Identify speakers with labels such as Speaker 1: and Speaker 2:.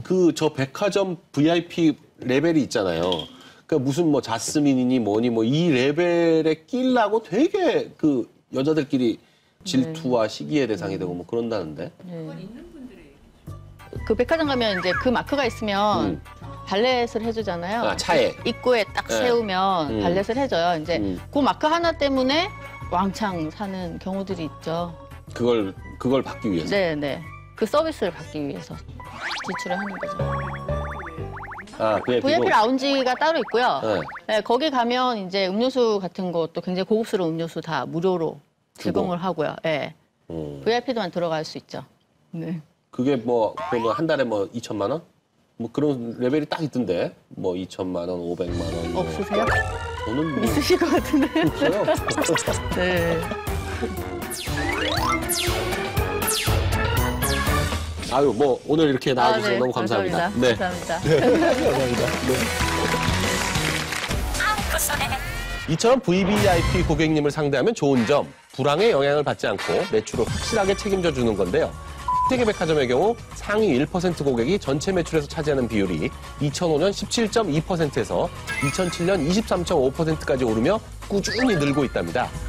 Speaker 1: 저 백화점 VIP 레벨이 있잖아요. 그러니까 무슨 뭐 자스민이니 뭐니 뭐 이 레벨에 끼려고 되게 그 여자들끼리 질투와 시기의 대상이 되고 뭐 그런다는데.
Speaker 2: 그 백화점 가면 이제 그 마크가 있으면 발렛을 해주잖아요.
Speaker 1: 아, 차에.
Speaker 2: 입구에 딱 세우면 발렛을 해줘요. 이제 그 마크 하나 때문에 왕창 사는 경우들이 있죠.
Speaker 1: 그걸 받기 위해서.
Speaker 2: 네네. 그 서비스를 받기 위해서 지출을 하는 거죠.
Speaker 1: 아,
Speaker 2: VIP 라운지가 따로 있고요.
Speaker 1: 네.
Speaker 2: 네, 거기 가면 이제 음료수 같은 것도 굉장히 고급스러운 음료수 다 무료로 제공을 하고요. 네. VIP도만 들어갈 수 있죠. 네.
Speaker 1: 그게 뭐 그러면 한 달에 뭐 2천만 원? 뭐 그런 레벨이 딱 있던데. 뭐 2천만 원, 500만 원. 뭐.
Speaker 2: 없으세요?
Speaker 1: 저는 뭐
Speaker 2: 있으실 것 같은데.
Speaker 1: 없어요.
Speaker 2: 네.
Speaker 1: 아유, 뭐 오늘 이렇게 나와주셔서
Speaker 2: 네.
Speaker 1: 너무 감사합니다.
Speaker 2: 감사합니다.
Speaker 1: 네.
Speaker 2: 감사합니다.
Speaker 1: 감사합니다. 네. 이처럼 VVIP 고객님을 상대하면 좋은 점, 불황의 영향을 받지 않고 매출을 확실하게 책임져 주는 건데요. 세계백화점의 경우 상위 1% 고객이 전체 매출에서 차지하는 비율이 2005년 17.2%에서 2007년 23.5%까지 오르며 꾸준히 늘고 있답니다.